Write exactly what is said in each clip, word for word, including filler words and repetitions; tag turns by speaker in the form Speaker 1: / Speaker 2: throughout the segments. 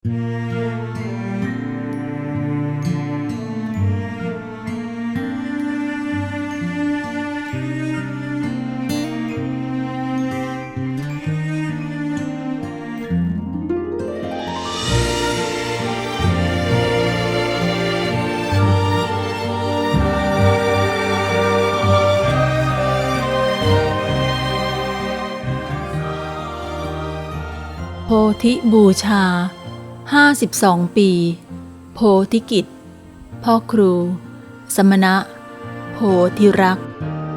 Speaker 1: โพธิบูชาห้าสิบสองปีโพธิกิจพ่อครู สมณะ โพธิรักษ์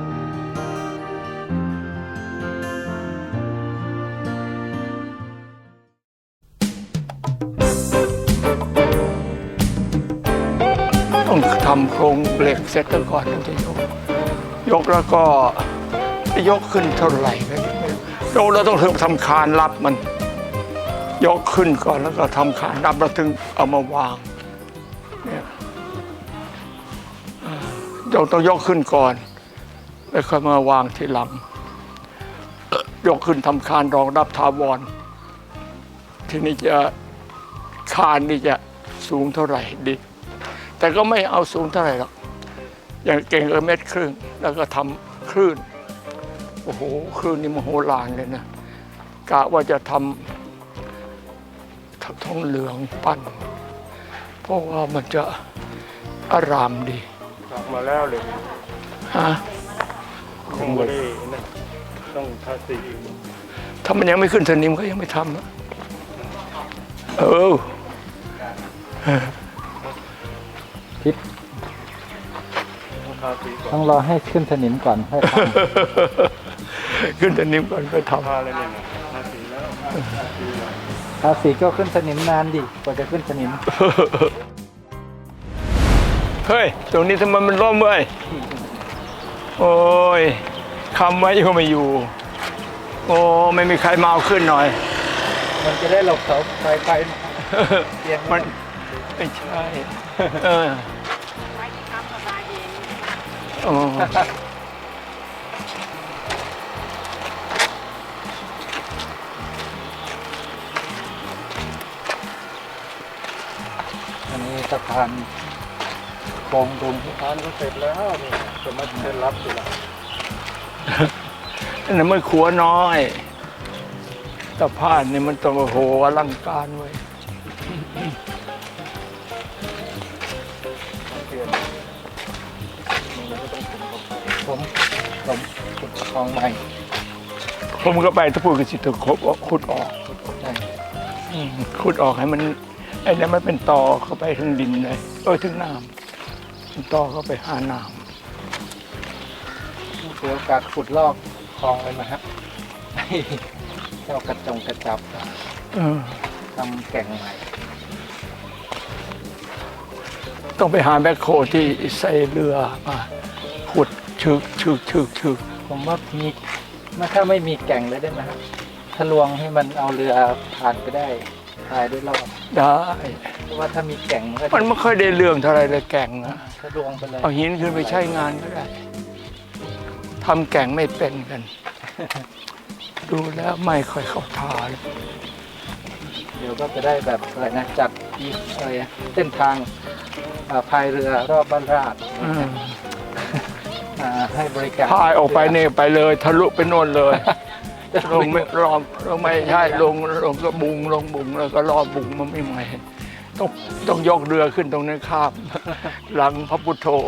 Speaker 2: ต้องทำโครงเหล็กเสร็จก่อนถึงจะยกยกแล้วก็ยกขึ้นเท่าไหร่ก็ไม่รู้ยกแล้วต้องถึงทำคานรับมันยกขึ้นก่อนแล้วก็ทำคานรับแล้วถึงเอามาวางเนี่ยยกต้องยกขึ้นก่อนแล้วค่อยมาวางทีหลังยกขึ้นทำคานรองรับถาวรทีนี้จะคานนี่จะสูงเท่าไหร่ดีแต่ก็ไม่เอาสูงเท่าไหร่หรอกอย่างเก่งเออเม็ดครึ่งแล้วก็ทำคลื่นโอ้โหคลื่นนี่มโหฬารเลยนะกะว่าจะทำทองเหลืองปั้นเพราะว่ามันจะอารามดี
Speaker 3: กลับมาแล้วเลย
Speaker 2: ฮะ
Speaker 3: คงไม่ได้นะต้องทาสี
Speaker 2: ถ้ามันยังไม่ขึ้นสนิมก็ยังไม่ทำนะเออ
Speaker 4: คิดต้องรอให้ขึ้นสนิมก่อนค่อยท
Speaker 2: ำขึ้นสนิมก่อนก็ทำ
Speaker 3: ทาอะไรเนี่ยทาสีแล้ว
Speaker 4: ทาสีก็ขึ้นสนิมนานดิกว่าจะขึ้นสนิม
Speaker 2: เฮ้ยตรงนี้ทำไมมันร่มเว้ยโอ้ยคำไว้ก็ไม่อยู่โอ้ไม่มีใครมาเอาขึ้นหน่อย
Speaker 4: มันจะได้หลบเสาไฟไฟ
Speaker 2: มันไม่ใช่เออโอ้
Speaker 4: อันนี้สะพานโค้งดุล
Speaker 3: สะพานก็เสร็จแล้วนี่จะมาเซ็นรับสิล่ะ
Speaker 2: อันนั้นมันขัวน้อยสะพานนี่มันต้องโอ้โหอลังการเว้ย
Speaker 4: ผมผมขุดคลองใหม่
Speaker 2: ผมก็ไปถ้าพูดกันสิถึงขุดออกขุดออกให้มันไอ้นี่มันเป็นตอเข้าไปถึงดินเลยเออถึงน้ำเป็นตอเข้าไปหาน้
Speaker 4: ำเดี๋ยวโอกาสขุดลอกคลองเลยนะฮะเจ้ากระจงกระจับทำแก่งใหม่
Speaker 2: ต้องไปหาแบคโคที่ใส่เรือมาขุดชึกชึกชึกชึก
Speaker 4: ผมว่ามีถ้าไม่มีแก่งเลยได้ไหมครับทะลวงให้มันเอาเรือผ่านไปได้พายด้วยรอบ
Speaker 2: ได้
Speaker 4: เพราะว่าถ้ามีแก่งมัน
Speaker 2: มันไม่ค่อยได้เรื่องเท่าไรเลยแก่งนะ
Speaker 4: ทะลวงไปเลย
Speaker 2: เอาหินขึ้นไปใช้งานก็ได้ทำแก่งไม่เป็นกันดูแล้วไม่ค่อยเข้าท่าเลย
Speaker 4: เดี๋ยวก็จะได้แบบอะไรนะจัดอะไรเส้นทางพายเรือรอบบ้านราชให้บริการ
Speaker 2: พายออกไปเนี่ยไปเลยทะลุไปโน่นเลยลงไม่รอบลงไม่ใช่ลงลงก็บุงลงบุงแล้วก็รอบบุงมันไม่ไหวต้องต้องยกเรือขึ้นตรงนั้นข้ามหลังพระพุทโธ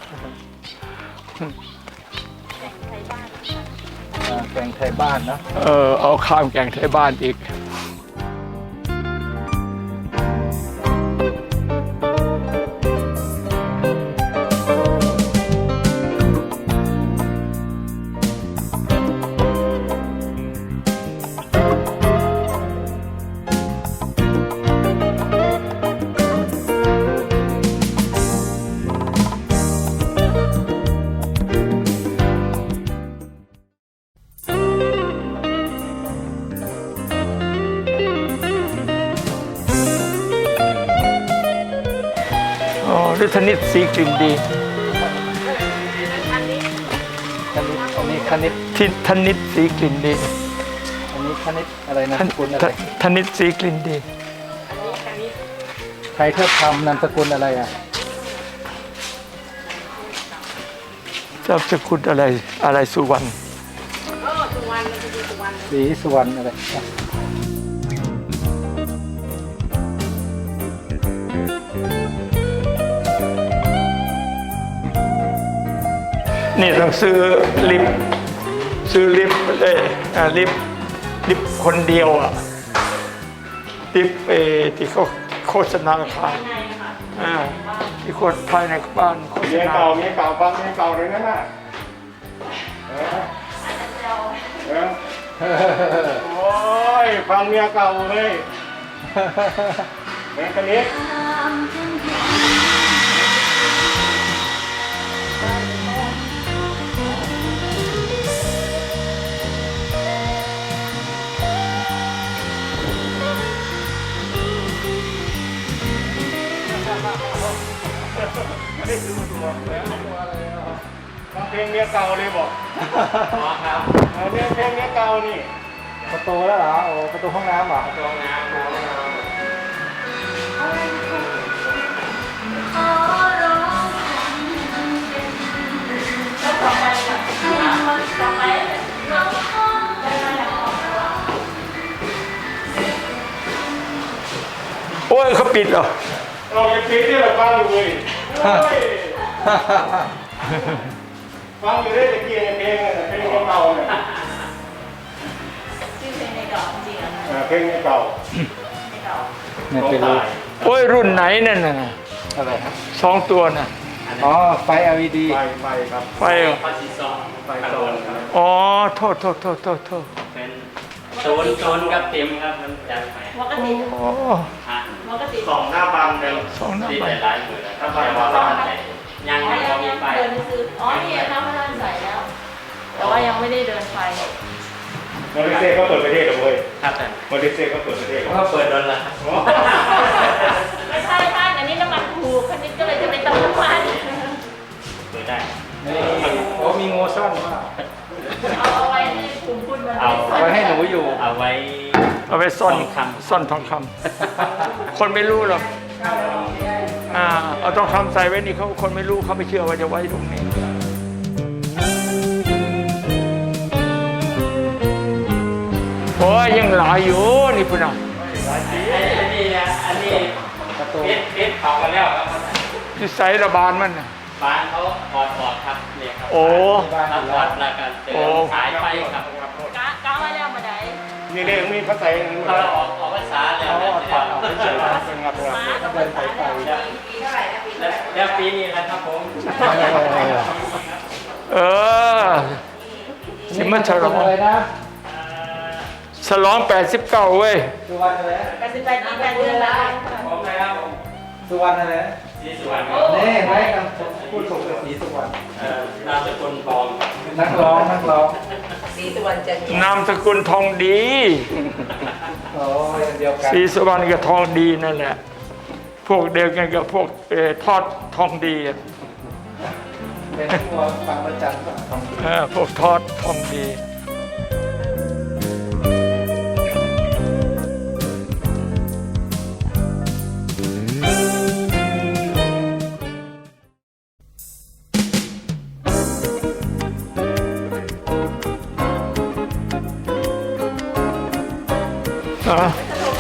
Speaker 4: แก่งไทยบ้านเนาะ
Speaker 2: เออเอาข้ามแก่งไทยบ้านอีกหรือธนิตสีกลิ่นดี
Speaker 4: อันนี้คณิต
Speaker 2: ทิธนิตสีกลิ่นดี
Speaker 4: อันนี้คณิตอะไรนะคุณอะไร
Speaker 2: ธนิตสีกลิ่นดี
Speaker 4: ใครเทิดธรรมนามสกุลอะไรอ่ะ
Speaker 2: ทราบสกุลอะไรอะไรสุวรรณ
Speaker 4: ศรีสุวรรณอะไร
Speaker 2: นี่ต้องซื้อลิฟต์ซื้อลิฟต์เอ้ยอ่าลิฟต์ลิฟต์คนเดียวอ่ะลิฟต์เออที่เขาโฆษณาขายอ่าที่คนภายในบ้านโฆษ
Speaker 3: เมีย
Speaker 2: ณา
Speaker 3: เก่าเมียเก่าฟังเมียเก่าเลยนั่นน่ะเออเออโอ้ยฟังเมียเก่าเลยแม่คนนี้ ฟังเพลงเมียเก่าเลยบอกครับเพลงเพลงเมียเก่านี่
Speaker 4: ประตูแล้วเหรอโอ้ประตูห้องน้ำเหรอ
Speaker 3: ห้องน้ำห้องน้ำ
Speaker 2: โอ้ยเขาปิดเหรอ
Speaker 3: เราจะปิดที่เราฟังอยู่เลยฟังอยู่ได้ตะกี้เพลงเพลงเก่าเนี่ย
Speaker 1: ชื่อเพลงในดอกจริงๆอะ
Speaker 3: เพลงเก่า
Speaker 1: ในดอก
Speaker 4: เนี่ยไปรู้
Speaker 2: โอ้ยรุ่นไหนนั่นน่ะ
Speaker 4: อะไรฮะ
Speaker 2: สองตัวน่ะ
Speaker 4: อ๋อไฟ แอล อี ดี
Speaker 3: ไปไปครับ
Speaker 2: ไฟเหรอ
Speaker 3: ไปซอนครับ
Speaker 2: อ๋อโทษโทษโทษโทษโทษ
Speaker 5: เป็นโซนโซนกับเต็มครับมันจะไป
Speaker 1: ปกติ
Speaker 2: อ๋อ
Speaker 5: ฮะ
Speaker 1: ปกติ
Speaker 3: สองหน้าบังเดิม
Speaker 2: สองหน้า
Speaker 5: ที่
Speaker 2: บ้า
Speaker 5: ห
Speaker 2: น
Speaker 5: ลายๆหมื่นแล้ว
Speaker 3: ถ้าไป
Speaker 5: แต่
Speaker 3: มา
Speaker 5: ว่า
Speaker 3: บ้าน
Speaker 5: ยัง
Speaker 1: อ๋อ
Speaker 5: ไม่
Speaker 1: ยัง
Speaker 5: มี
Speaker 1: ยัง
Speaker 5: ไฟ
Speaker 1: เดินไปซื้ออ๋อนี่ข้าวพระท่านใส่แล้ว แต่ว่ายังไม่ได้เดินไฟ
Speaker 3: มาเลเซียก็เปิดประเทศแล้วเว้ย
Speaker 5: ครับแต่
Speaker 3: มาเลเซียก็เปิดประเทศแล้ว
Speaker 5: ก็เปิดโดนละ
Speaker 1: ไม่ใช่ท่านอันนี้น้ำมันถูกคันนี้ก็เลยจะไปเติมน้ำมัน
Speaker 5: เปิดได้
Speaker 4: นี่โอ้มีงูซ่อนว่า
Speaker 1: เอาเอาไว้ให้กลุ่มคุณมัน
Speaker 5: เอา
Speaker 4: ไว้ให้หนูอยู่
Speaker 5: เอาไว้
Speaker 2: เอาไปซ่อน
Speaker 5: ทองคำ
Speaker 2: ซ่อนทองคำคนไม่รู้หรอกอ่าเอาทองคำใส่ไว้นี่เขาคนไม่รู้เขาไม่เชื่อว่าจะไว้ตรงนี้โอ้ยยังหลายอยู่นี่พุ่นอ่ะ
Speaker 5: อันนี้นะอันนี้
Speaker 4: ประตู
Speaker 5: เพชรเพชรเผากันแล้วครับ
Speaker 2: ที่ใส่ระบานมันน่ะ
Speaker 5: บ้านเขาถอดถอดครับเนี่ยครับ
Speaker 2: โอ้
Speaker 5: ครับถอดแล้วก็เติมสายไฟครับ
Speaker 1: กะกะไว้แล้วมาได้
Speaker 3: นี่เรื่องมีภาษาอังกฤษ
Speaker 5: เราออกออกภาษาแล้วนะ
Speaker 4: ถอดออกเฉย
Speaker 3: เป็นงับงับ
Speaker 1: มาต้องภาษาแล้วปีเท่าไหร่นะปี
Speaker 5: แล้วแล้วปีนี้นะครับผม
Speaker 2: เออสิมันฉลอง
Speaker 4: อะไรนะ
Speaker 2: ฉลองแปดสิบเก้าเว้ย
Speaker 4: สุวรรณอะไรนะ
Speaker 1: แปดสิบแปดปีแปดเดือนแล้ว
Speaker 5: ผมนะครับผม
Speaker 4: สุวรรณอะไรนะ
Speaker 5: สีสวน
Speaker 4: นี่เห็นไหมคำพูดถูกกับสีสุวรรณ
Speaker 5: เอ่อนามสกุลปลอมครับ
Speaker 4: นักร้องนักร้อง
Speaker 1: สีสุวรรณจันทร์
Speaker 2: นามสกุลทองดี
Speaker 4: โอ้ยเดียวกัน
Speaker 2: สีสุวรรณกับทองดีนั่นแหละ พวกเดียวกันกับพวกเออทอดทองดีอะ
Speaker 4: เป็นพวกฟังประจันทร์ของ
Speaker 2: เออพวกทอดทองดีอ่ะ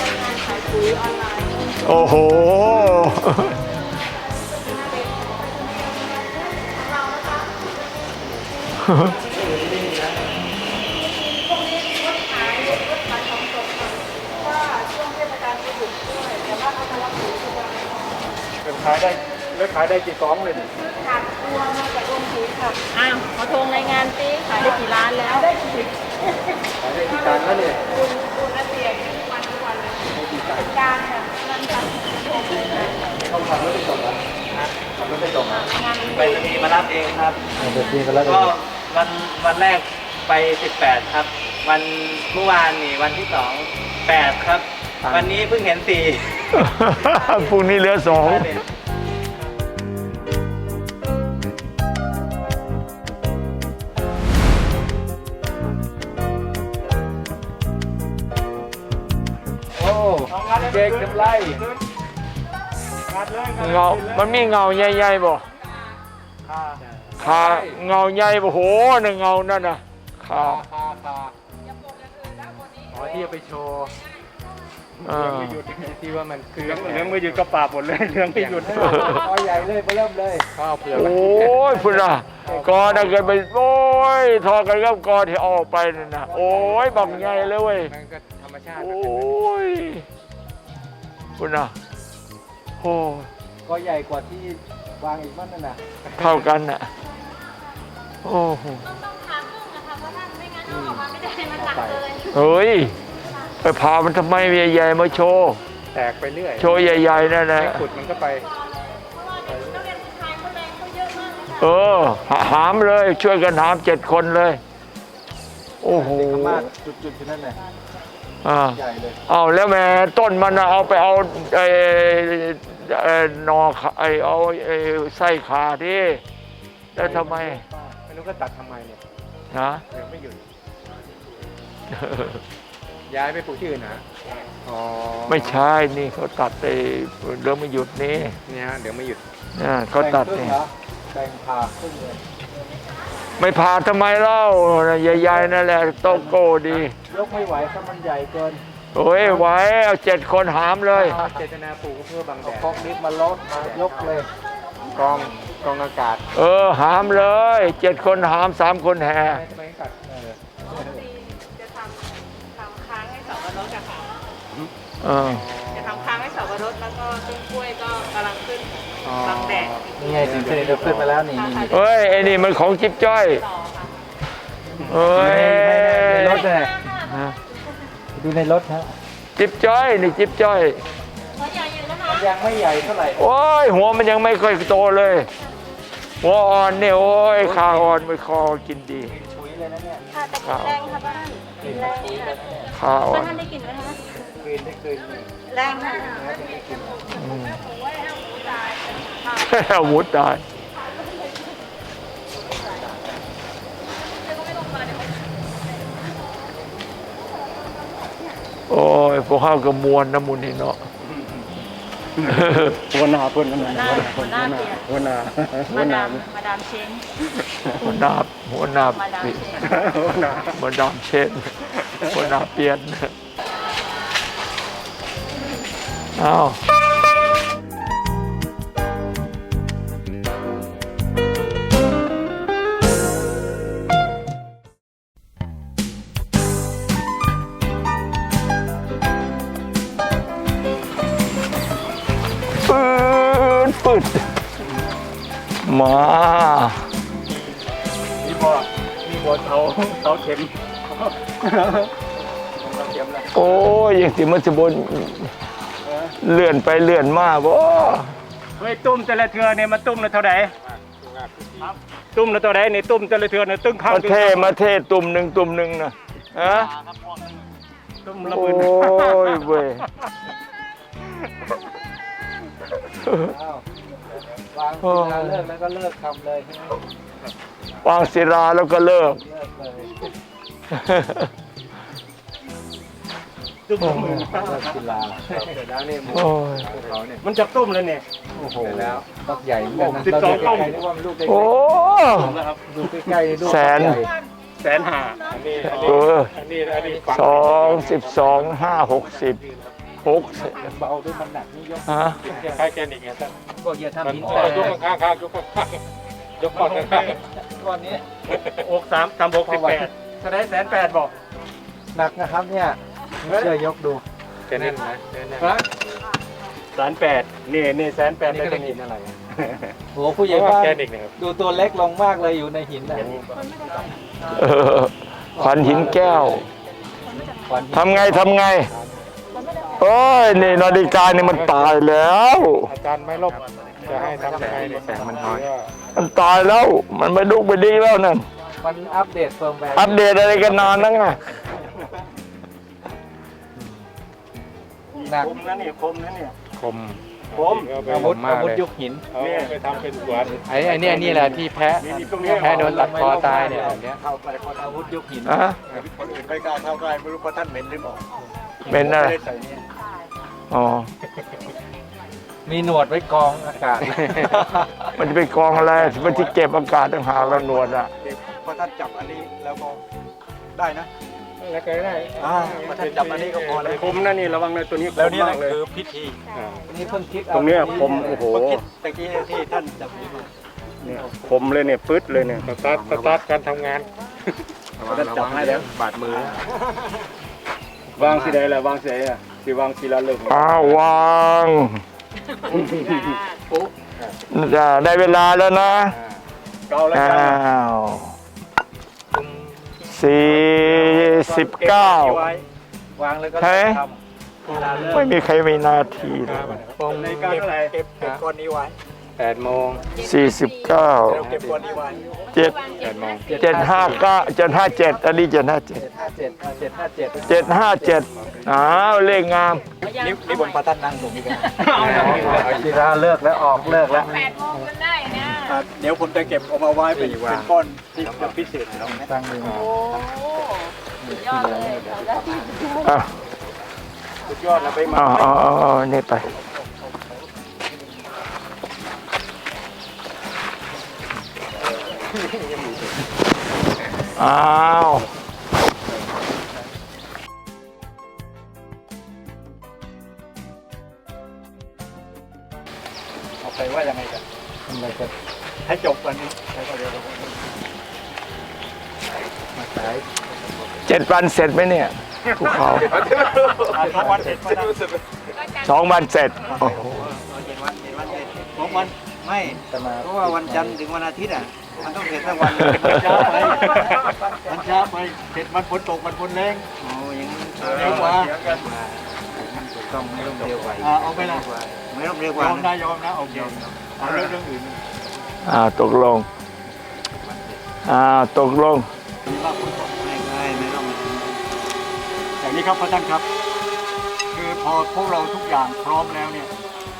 Speaker 2: โอ้โห
Speaker 3: ขายได้แล้วขายได้กี่กล่องเลย
Speaker 1: อ้าวขอโทรรายงานสิขายได้กี่ล้านแล้วได้กี่
Speaker 4: ขายได้กี่ตันแล้วเนี่ย
Speaker 1: การค่ะนั่นค่ะ
Speaker 4: เขาขับรถไปส่งเหรอขับรถไปส่งเหรอ
Speaker 5: ไปรษณีย์มารับเองครับ
Speaker 4: เดี๋ยวพี่ก็แล้ว
Speaker 5: ก็วันวันแรกไปสิบแปดครับ วันเมื่อวานนี่วันที่สองแปดครับ วันนี้เพิ่งเห็นสี่
Speaker 2: พรุ่งนี้เหลือสอง
Speaker 4: โอ้เจด็กๆทำไร
Speaker 3: งัดเลย
Speaker 2: เงา มันมีเงาใหญ่ๆบ่
Speaker 3: ค่ะ
Speaker 2: ขาเงาใหญ่บ่โหนั่นเงานั่นน่ะขา
Speaker 4: คาคาอ๋อที่เอาไปโชว์
Speaker 2: อ่า
Speaker 3: ไม่หยุด
Speaker 4: ที่ว่ามันคือ
Speaker 3: เลี้ยงเลี้ยงไม่หยุดก็ปราบหมดเลยเลี้ยงไม่หยุด
Speaker 4: คอใหญ่เลยมาเริ่มเลยข้าวเปลือก
Speaker 2: โอ้ยพุ่นน่ะกอน่ะเกิดไปโอ้ยทอกันกับกอที่ออกไปนั่นน่ะโอ้ยบักใหญ่เลยเว้ย
Speaker 4: มันก็ธรรมชาติ
Speaker 2: โอ้ยพุ่นน่ะโอ้ย
Speaker 4: ก็ใหญ่กว่าที่วางอีกมั้งนั่นน่ะ
Speaker 2: เท่ากันน่ะโอ้โห
Speaker 6: ต้องทำพึ่งนะคะเพราะท่านไม่งั้นเอาออกมาไม่ได้มันหนักเลย
Speaker 2: เฮ้ยไปพามันทำไมใหญ่ๆมาโชว์
Speaker 4: แตกไปเรื่อย
Speaker 2: โชว์ใหญ่ๆนั่นนะ
Speaker 4: ไม่ขุดมันก็ไป
Speaker 6: เพราะว่าเด็กนักเรียนผู้ชายเขาแรงเขาเยอะมากเลยค่ะ
Speaker 2: เออหาหามเลยช่วยกันหามเจ็ดคนเลย โอ้โห
Speaker 4: เด็กขมาศจุดๆที่นั่นน่ะ
Speaker 2: อ่า
Speaker 4: ใหญ่เลย
Speaker 2: เอาแล้วแม่ต้นมันน่ะเอาไปเอาไอ้ไอ้หนอขาไอ้เอาไอ้ไส้ขาดิแล้วทำไม
Speaker 4: ไม่รู้ก็ตัดทำไมเนี่ย
Speaker 2: นะ
Speaker 4: เดี๋ยวไม่หยุด ย้ายไปปลูกที่อื่นนะอ๋อ
Speaker 2: ไม่ใช่นี่เขาตัดไอ้เรื่องไม่หยุดนี่
Speaker 4: เนี่ยฮะเดี๋ยวไม่หยุด
Speaker 2: นะเขาตัด
Speaker 4: แบ่งครึ่
Speaker 2: นี่
Speaker 4: งเหรอแบ่งผ่าครึ่งเลย
Speaker 2: ไม่พาทำไมเล่าใหญ่ๆนั่นแหละโตโก้ดี
Speaker 4: ยกไม่ไหวถ้ามันใหญ่เกิน
Speaker 2: โอ้ยไหวเอาเจ็ดคนหามเลย
Speaker 4: เจตนาปลูกเพื่อบังแดดเอาคอกนิดมาลดมายกเลยกองกองอากาศ
Speaker 2: เออหามเลยเจ็ดคนหามสามคนแห่
Speaker 4: ไม่ไม่กัดเออ
Speaker 6: จะทำทำค้างให้เสาวรสอะค่ะ
Speaker 2: เออ
Speaker 6: จะทำค้างให้เสาวรสแล้วก็ต้นกล้วยก็กำลังขึ้น
Speaker 4: อ๋อ
Speaker 6: บังแดด
Speaker 4: นี่ไงสินค้าเราขึ้นมาแล้วนี่นี่นี่
Speaker 2: เฮ้ยไอ้นี่มันของจิ๊บจ้อย
Speaker 6: ต่อค่ะ
Speaker 2: เอ้ย
Speaker 4: ในรถเนี่ย
Speaker 2: ฮะ
Speaker 4: ดูในรถฮะ
Speaker 2: จิ๊บจ้อยนี่จิ๊บจ้อย
Speaker 6: หัวใหญ่อยู่นะคะ
Speaker 4: ยังไม่ใหญ่เท่าไหร่
Speaker 2: โอ้ยหัวมันยังไม่ค่อยโตเลย หัวอ่อนเนี่ยโอ้ยขาอ่อนไม่คอกินดี
Speaker 4: ปุ๋ยเลยนะเนี่ย
Speaker 6: ค่ะแต่กลิ่นแรงค่ะบ้านกลิ่นแรงค่ะ
Speaker 2: ขาอ่อ
Speaker 6: บ้าน นท่านได้กลิ่นไหมคะ
Speaker 4: คืนได้คืนหนึ่ง
Speaker 6: แรงค่ะ
Speaker 2: อืมอาวุธได้โอ้ยพวกข้าวกระมวลน้ำมุนนี่เนาะ
Speaker 3: หัวหน้าเพื่อนนั่น
Speaker 6: หัวหน้าหัวหน้าเปลี่ยน
Speaker 3: หัวหน้าหัว
Speaker 6: มา
Speaker 3: หน้า
Speaker 6: ดามมาดามเชง
Speaker 2: หัวหน้าหัวหน้า
Speaker 6: มาดาม
Speaker 2: ปิ
Speaker 6: เชง
Speaker 3: หัวหน้า
Speaker 2: หัวหน้าเช่นหัวหน้าเปลี่ยนเอาปืดปืดมา
Speaker 3: มีบ่อมีบ่อเสาเสาเข็ม
Speaker 4: เราเตรียมแล้ว
Speaker 2: โอ้ยยังสิมันสิบนเลื่อนไปเลื่อนมาบ่
Speaker 3: เฮ้ยตุ้มแต่ละเทือเนี่ยมาตุ้มละเท่าไหร่ตุ้มละเท่าไหร่นี่ตุ้มแต่ละเทือเนี่ยตึ้งข้าง
Speaker 2: มาเทมาเทตุ่มหนึ่งตุ่มหนึ่งนะฮะ
Speaker 3: ตุ้มละห
Speaker 2: โอ้
Speaker 3: มื่น
Speaker 2: ยเว้ย
Speaker 4: อ้าววางเวลาเลิกแล้วก็เลิกทำเลยใช่ไหม
Speaker 2: วางศิลาแล้วก็เลิก
Speaker 4: เลิกเลย
Speaker 3: ตุ้มละหมื่น
Speaker 4: เลิกกีฬาเสร็จแล้วนี่หมู
Speaker 2: โอ้ย
Speaker 4: เขาเนี่ย
Speaker 3: มันจะตุ้มแล้วเนี่ย
Speaker 4: โอ้โหแล้วลูกใหญ่เหมือนกันนะ
Speaker 3: สิบสอง
Speaker 4: เรา
Speaker 3: ต้
Speaker 4: ดู
Speaker 3: ม
Speaker 4: ใกล้ๆนึกว่ามันลูกเล็ก
Speaker 2: โอ้
Speaker 3: นะครับ
Speaker 4: ๆดูใกล้ๆนี่ลูก
Speaker 2: แสน
Speaker 4: ใหญ่
Speaker 3: แสนห้าอันนี้อัน
Speaker 2: เอ
Speaker 3: นี้
Speaker 2: อ
Speaker 3: อันนี้อันนี้
Speaker 2: สองสิบสองห้าหกสิบหกสิบ
Speaker 4: เบาด้วยมันหนักนี่ยก
Speaker 2: ฮะ
Speaker 3: คล้ายแกนิกไงท่าน
Speaker 4: บอกอย่าทำหิน
Speaker 3: อ๋
Speaker 4: แต
Speaker 3: อก ยกข้างข้างๆยกข้างข้างๆยกข้างข้าง
Speaker 4: ก้อนนี้
Speaker 3: ๆอกสามสามหกสิบแปดแสดงแสนแปดบอก
Speaker 4: หนักนะครับเนี่ยเชื่อยกดู
Speaker 3: แค่นั้นนะแสนแปดนี่นี่แสนแปด
Speaker 4: นี่
Speaker 3: ได้
Speaker 4: ก็
Speaker 3: ต
Speaker 4: เล
Speaker 3: ร
Speaker 4: ย
Speaker 3: ง
Speaker 4: หิ
Speaker 3: นี้
Speaker 4: นอะไรอะโอ้ผู้ใหญ่บ้าน
Speaker 3: แกนิกนะครับ
Speaker 4: ดูตัวเล็กลงมากเลยอยู่ในหินน่ะ
Speaker 2: เออขวัญหินแก้ว
Speaker 4: ควัน
Speaker 2: ทำไงทำไงโอ้ยนี่นาฬิกานี่มันตายแล้ว
Speaker 3: อาจารย์ไม่ลบจะให้ทำยังไงเนี่ยแสงมันน้อย
Speaker 2: มันตายแล้ว มันไม่ดุกไม่ดีแล้วนั่น
Speaker 4: มันอัปเดตเฟิร์มแวร์
Speaker 2: อัปเดตอะไรกันนานนั่งไง
Speaker 4: หนัก
Speaker 3: คมนะนี่คมนะเนี่ย
Speaker 4: คม
Speaker 3: คม
Speaker 4: อาวุธอาวุธยุคหิน
Speaker 3: นี่ไปทำเป็นสวน
Speaker 4: ไอ้ไอ้นี่นี่แหละที่แพ้
Speaker 3: มีตรงนี้
Speaker 4: แพ้โดนตัดคอตายเนี่ยแบบเนี้ยอาวุธยุคหิน
Speaker 2: อะ
Speaker 3: คนอื่นไม่กล้าเข้าใกล้ไม่รู้ว่าท่านเหม็นหรือเปล่า
Speaker 2: เป็นอะไร
Speaker 3: ไม่ได้ใส่เนี่ย
Speaker 2: อ๋อ
Speaker 4: มีหนวดไว้กรองอากาศ
Speaker 2: มันจะไปกองอะไรมันที่เก็บอากาศต่างหากแล้วหนวดอ่ะ
Speaker 3: พอท่านจับอันนี้แล้วก็ได้นะ
Speaker 4: แล้วก็ได้
Speaker 3: อ่าพอท่านจับอันนี้ก็พอแล้วคมนะนี่ระวังนะตัวนี้คม
Speaker 4: แล้วนี่แห
Speaker 3: มา
Speaker 4: ละ
Speaker 3: กเลย
Speaker 4: คือพิธี
Speaker 3: อ่า
Speaker 4: นี่เพิ่งคิด
Speaker 3: ตรงเนี้ยคมโอ้โห
Speaker 4: เพิ่งคิดตะกี้ที่ท่านจับมือมา
Speaker 3: เนี่ยคมเลยเนี่ยปึ๊ดเลยเนี่ย
Speaker 4: สตาร์ทสตาร์ทการทำงาน
Speaker 3: ท่านจับให้แล้วบาดมือวางสีใดล่ะวางสีใดอ่ะสีวางสีละเลิก
Speaker 2: อ้าววางจะได้เวลาแล้วนะ
Speaker 3: เกาแล้ว
Speaker 2: อ้า
Speaker 3: กัน
Speaker 2: วสี่สิบเก้า
Speaker 4: วางแล้วก็
Speaker 2: ใช่
Speaker 4: ทำ
Speaker 2: ไม่มีใครมีนาทีเลย
Speaker 4: ปง
Speaker 3: ในการเท่าไหร่
Speaker 4: เก็บเก็บก้อนนี้ไว้แปดโมง
Speaker 2: สี่สิบเก้า
Speaker 4: เราเก็บก้อนนี้ไว้
Speaker 2: เจ็ด
Speaker 4: แปดโมง
Speaker 2: เจ็ดห้าเก้าเจ็ดห้าเจ็ดอันนี้เจ็ดห้าเจ็ด
Speaker 4: ห้าเจ็ดเจ็ดห้าเจ็ด
Speaker 2: เจ็ดห้าเจ็ดอ้าวเลขงาม
Speaker 4: นี่นี่บนประทัดนั่งตรงนี้กันเอาชีราเลิกแล้วออกเลิกแล้ว
Speaker 6: แปดโมงกันได้นะ
Speaker 3: อ่ะเดี๋ยวผมจะเก็บเอามาไว้เป็นเป็นก้อนที่จะพิเศษแล้วนะ
Speaker 4: ตั้งมือ
Speaker 6: โอ้สุดยอดเลยเราได้
Speaker 2: อ่ะ
Speaker 3: สุดยอดนะไปมา
Speaker 2: อ๋ออ๋ออ๋อนี่ไปอ้าว
Speaker 3: เอาไปว่ายังไงกัน
Speaker 4: ทำอะไรกัน
Speaker 3: ให้จบวันนี้แล้วก็เดี๋ยวเรา
Speaker 4: มาสาย
Speaker 2: เจ็ดวันเสร็จไหมเนี่ยภูเขา
Speaker 3: อ่ะทั้งวันเสร็จมาได้
Speaker 2: สองวันเสร็จโอ้โห
Speaker 5: เจ็ดวันเจ็ดวันเจ็ด
Speaker 3: สองวัน
Speaker 5: ไม่
Speaker 4: จะมา
Speaker 5: เพราะว่าวันจันทร์ถึงวันอาทิตย์อ่ะ มันต้องเสร็จทั้งวันเลย
Speaker 3: มันช้าไปมันช้าไปเสร็จมันฝนตกมันฝนแรง
Speaker 5: โอ้ยยัง
Speaker 3: เร็วกว่า
Speaker 5: ถูกต้องไม่ต้องเร็วกว่า
Speaker 3: อ่าเอาไปละ
Speaker 5: ไม่ต้องเร็วย ก
Speaker 3: อ
Speaker 5: ว่าม
Speaker 3: นะยอมนะโอเคเอาเรื่องเรื่องอื่น
Speaker 2: อ่าตกลงอ่าตกลง
Speaker 3: มีมากคนก่อน
Speaker 5: ไม่ไม่ไม่ต้อง
Speaker 3: อย่างนี้ครับพระท่านครับ คือพอพวกเราทุกอย่างพร้อมแล้วเนี่ย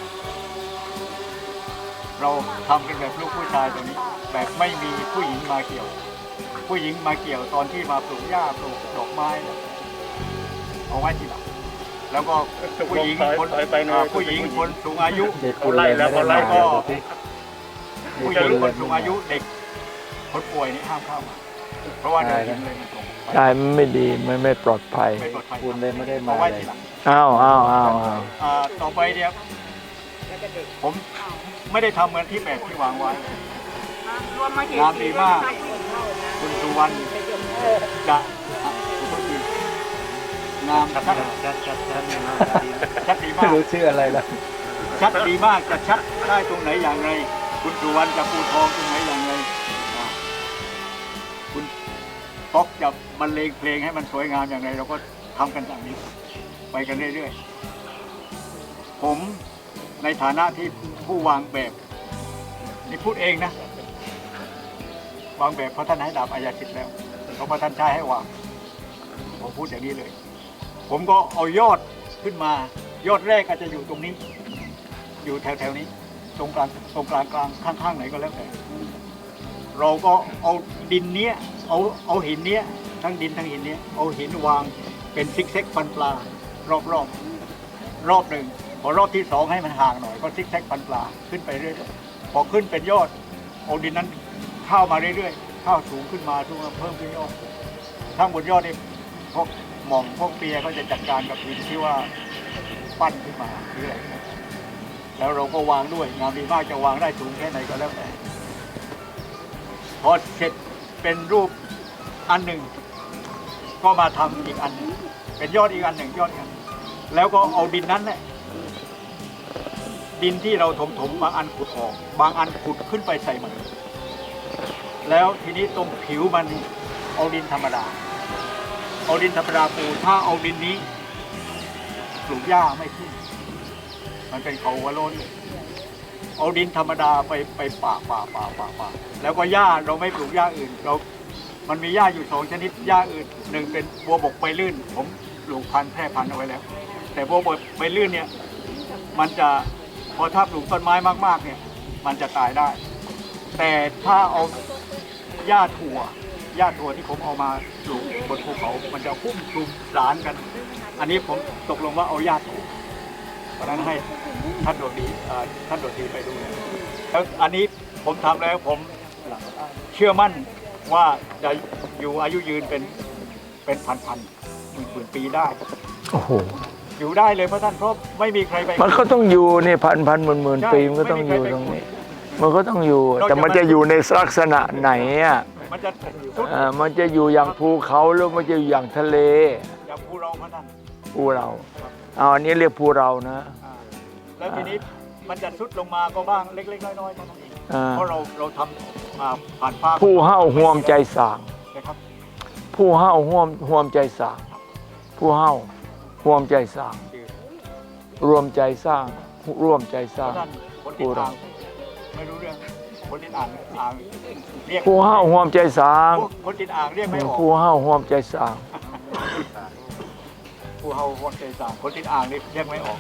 Speaker 3: เราทำกันแบบลูกผู้ชายตัวนี้ แบบไม่มีผู้หญิงมาเกี่ยว ผู้หญิงมาเกี่ยวตอนที่มาปลูกหญ้าปลูกดอกไม้เนี่ยเอาไว้ทีหลังแล้วก็ผู้หญิงคนอ่าผู้หญิงคนสูงอายุ
Speaker 4: เด็กคนไล่แล้วคนไล่
Speaker 3: ก็
Speaker 4: ก็
Speaker 3: ผู้หญิงคนสูงอายุเด็กคนป่วยนี่ห้ามเข้ามาเพราะว่าเดี๋ยวหินเลยมันตกไป
Speaker 2: ได้มันไม่ดีไม่ไม่ปลอดภัย
Speaker 3: ไม่ปลอดภัย
Speaker 4: คุณเลยไม่ได้มา
Speaker 3: เอาไว้
Speaker 4: เล
Speaker 3: ที
Speaker 4: ย
Speaker 3: หลัง
Speaker 2: อ้าวอ้าวอ้าวอ้าว
Speaker 3: อ่าต่อไปเนี่ยผมไม่ได้ทำเหมือนที่แบบที่วางไว้
Speaker 6: รวมมากี่
Speaker 3: งานดีมาก
Speaker 6: ปี
Speaker 3: คุณสุวรรณจะคนอื่นงามชัด
Speaker 5: ชัดชัดชัด
Speaker 3: ชัดดี
Speaker 4: ไม่
Speaker 3: มาก
Speaker 4: รู้ชื่ออะไรแล้ว
Speaker 3: ชัดดีมากจะชัดได้ตรงไหนอย่างไร คุณสุวรรณจะปูทองตรงไหนอย่างไรอ่าคุณป๊อกจะบรรเลงเพลงให้มันสวยงามอย่างไร เราก็ทำกันอย่างนี้ ไปกันเรื่อยๆผมในฐานะที่ผู้วางแบบนี่พูดเองนะ วางแบบเพราะท่านให้ดาบอายาสิทธิ์แล้วเพราะท่านใช้ให้วางผมพูดอย่างนี้เลย ผมก็เอายอดขึ้นมา ยอดแรกอาจจะอยู่ตรงนี้ อยู่แถวๆนี้ ตรงกลางตรงกลางกลางข้างๆไหนก็แล้วแต่ เราก็เอาดินเนี้ยเอาเอาหินเนี้ยทั้งดินทั้งหินเนี้ยเอาหินวางเป็นซิกแซกฟันปลารอบๆรอบหนึ่งพอรอบที่สองให้มันห่างหน่อยก็ซิกแซกฟันปลาขึ้นไปเรื่อยๆพอขึ้นเป็นยอดเอาดินนั้นเข้ามาเรื่อยๆเข้าสูงขึ้นมาทุกเพิ่มขึ้นยอดทั้งบนยอดนี่พวกหม่อมพวกเปียก็จะจัดการกับดินที่ว่าปั้นขึ้นมาเรื่อยแล้วเราก็วางด้วยงานดีมากจะวางได้สูงแค่ไหนก็แล้วแต่พอเสร็จเป็นรูปอันหนึ่งก็มาทำอีกอันหนึ่งเป็นยอดอีกอันหนึ่งยอดกันแล้วก็เอาดินนั้นแหละดินที่เราถมถมบางอันขุดออกบางอันขุดขึ้นไปใส่มันแล้วทีนี้ตรงผิวมันเอาดินธรรมดาเอาดินธรรมดาปูถ้าเอาดินนี้ปลูกหญ้าไม่ขึ้นมันเป็นเขาหัวโล้นเอาดินธรรมดาไปไปป่าป่าป่าป่าป่าแล้วก็หญ้าเราไม่ปลูกหญ้าอื่นเรามันมีหญ้าอยู่สองชนิดหญ้าอื่นหนึ่งเป็นบัวบกใบลื่นผมปลูกพันธุ์แพร่พันธุ์เอาไว้แล้วแต่บัวบกใบลื่นเนี่ยมันจะพอถ้าปลูกต้นไม้มากๆเนี่ยมันจะตายได้แต่ถ้าเอาหญ้าถั่วหญ้าถั่วที่ผมเอามาปลูกบนภูเขามันจะพุ่มคลุมสารกัน อันนี้ผมตกลงว่าเอาหญ้าถั่วเพราะฉะนั้นให้ท่านดวงดีอ่าท่านดวงดีไปดูนะแล้วอันนี้ผมทำแล้วผมเชื่อมั่นว่าจะอยู่อายุยืนเป็นเป็นพันพันหมื่นหมื่นปีได้
Speaker 2: โอ้โห
Speaker 3: อยู่ได้เลยเพราะท่านเพราะไม่มีใครไป
Speaker 2: มันก็ต้องอยู่นี่พันพันหมื่นหมื่นปีมันก็ต้องอยู่ตรงนี้ มันก็ต้องอยู่ แต่มันจะอยู่ในลักษณะไหนอ่ะ
Speaker 3: มันจะสุด
Speaker 2: อ่ามันจะอยู่อย่างภูเขาหรือมันจะอยู่อย่างทะเล
Speaker 3: อย่างภูเราพระท่าน
Speaker 2: ภูเราเอาอันนี้เรียกภูเรานะ
Speaker 3: อ่าแล้วทีนี้มันจะสุดลงมาก็บ้างเล็กๆน้อยๆเท่านั้นเอง
Speaker 2: อ่า
Speaker 3: เพราะเราเราทำอ่าผ่านภาค
Speaker 2: ผู้เห่าห่วมใจสาง
Speaker 3: นะครับ
Speaker 2: ผู้เห่าห่วมห่วมใจสางผู้เห่าห่วมใจสาง
Speaker 3: คือ
Speaker 2: รวมใจสร้างร่วมใจส
Speaker 3: เพ
Speaker 2: ร้าง
Speaker 3: ราะท่านคนติดอ่างไม่รู้เรื่องคนติดอ่างอ่างเรียก
Speaker 2: ผู้เห่าห่วมใจสาง
Speaker 3: พวกคนติดอ่างเรียกไม่ออก
Speaker 2: ผู้เห่าห่วมใจสาง
Speaker 3: ผู้เฮาคนใจสางคนติดอ่างนี่เรียกไม่ออก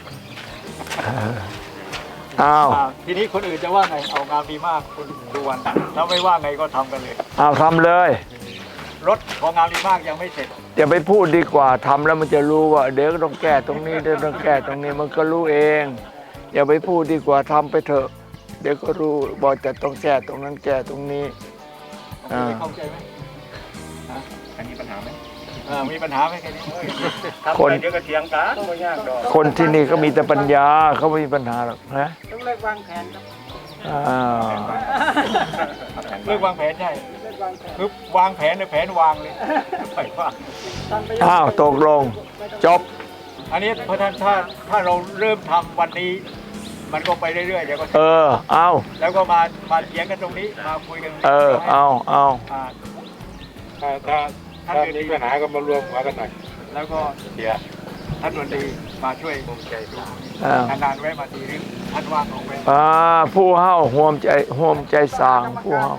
Speaker 2: อ้าว
Speaker 3: อ่าทีนี้คนอื่นจะว่าไงเอางานดีมากคุณดูวันถ้าไม่ว่าไงก็ทำกันเลย
Speaker 2: อ้าวทำเลย
Speaker 3: รถของงานดีมากยังไม่เสร็จ
Speaker 2: อย่าไปพูดดีกว่าทำแล้วมันจะรู้ว่าเดี๋ยวก็ต้องแก้ตรงนี้เดี๋ยวต้องแก้ตรงนี้มันก็รู้เอง อย่าไปพูดดีกว่าทำไปเถอะ เดี๋ยวก็รู้บอกจะต้องแก้ตรงนั้นแก้ตรงนี้ อ่า
Speaker 3: เข้าใจไหม
Speaker 4: อันนี้ปัญหาไหม
Speaker 3: อ่ามีปัญหาไหมแค่นี้
Speaker 2: คน
Speaker 3: เดี๋ยวก็เถียงกันไม่ยากดอก
Speaker 2: คนที่นี่ก็มีแต่ปัญญาเขาไม่มีปัญหาหรอกนะ
Speaker 6: ต้องเลิกวางแผนครับ
Speaker 2: อ้าว
Speaker 3: เรื่องวางแผนใช่
Speaker 6: เลิกวางแผน
Speaker 3: คือวางแผนในแผนวางเลยไปว่า
Speaker 6: ทำไป
Speaker 2: อ้าวตกลง จบ
Speaker 3: อันนี้เพราะท่านถ้าถ้าเราเริ่มทำวันนี้ มันก็ไปเรื่อยๆเดี๋ยวก็
Speaker 2: เออ เอา
Speaker 3: แล้วก็มามาเถียงกันตรงนี้มาคุยกัน
Speaker 2: เออ เอาเอา
Speaker 3: อ่า
Speaker 4: ถ้าถ้าถ้ามีปัญหาก็มารวมหัวกันหน่อย
Speaker 3: แล้วก็
Speaker 4: เดี๋ยว
Speaker 3: ท่านดนตรีมาช่วยผมใจดู
Speaker 2: อ้าวน
Speaker 3: านๆแวะมาทีนึงท่านว่างลงไป
Speaker 2: อ่าผู้เห่าห่วมใจห่วมใจสางผู้เห่า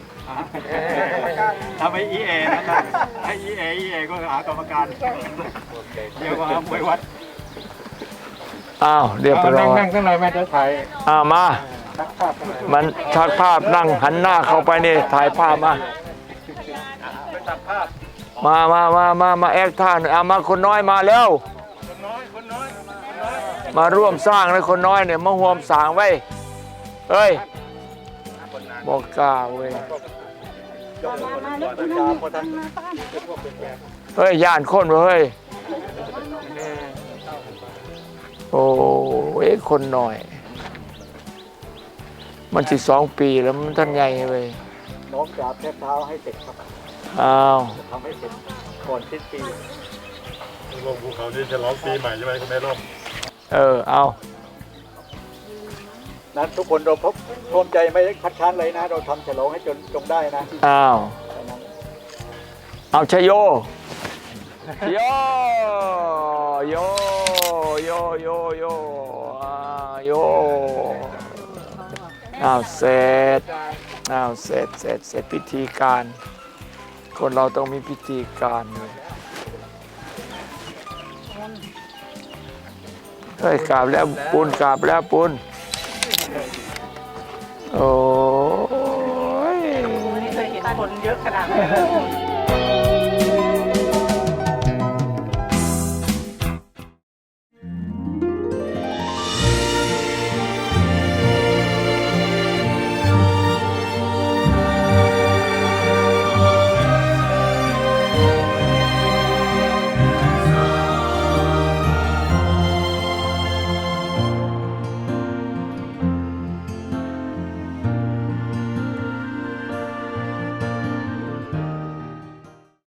Speaker 3: ทำให้อีเอนะท่านให้อีเออีเอก็หากรรมการเดี๋ยวก็หามวยวัด
Speaker 2: อ้าวเรียบร้
Speaker 4: นั่ง
Speaker 2: อย
Speaker 4: นั่งสักหน่อยแม่จะถ่าย
Speaker 2: อ้าวมา
Speaker 4: ทักภาพกันหน่อย
Speaker 2: มันชักภาพนั่งหันหน้าเข้าไปนี่ถ่ายภาพมา
Speaker 3: ไปตัดภาพ
Speaker 2: มามามามามาแอคท่าหน่อยเอามาคนน้อยมาแล้ว
Speaker 3: คนน้อยคนน้อยคนน้อย
Speaker 2: มาร่วมสร้างเลยคนน้อยเนี่ยมาห่วมสร้างไว้เฮ้ยบอกกล้าเว้ย
Speaker 3: ยกมือคนน้อยตาพอท่าน
Speaker 2: เฮ้ยย่านคนเว้ยโอ้ยคนหน่อย มันสิสองปีแล้วมันท่านใหญ่เว้ย
Speaker 3: น้องจับแทบเท้าให้เสร็จครับ
Speaker 2: อ้าว
Speaker 3: ทำให้เสร็จก่อนสิ้นปี
Speaker 7: ลงภูเขานี่จะร้องปีใหม่ใช่ไหมคุณแม่ร่ม
Speaker 2: เออเอา
Speaker 3: นั้นทุกคนเราพบพร้อมใจไม่คัดค้านเลยนะ เราทำฉลองให้จนจงได้นะ
Speaker 2: อ้าวเอาชยโยโยโยโยโยโยอ่าโยอ้าวเสร็จอ้าวเสร็จเสร็จเสร็จพิธีการ คนเราต้องมีพิธีการเลยเฮ้ยกราบแล้วปุนกราบแล้วปุนโอ้ย
Speaker 6: ไม่เคยเห็นคนเยอะขนาดนี้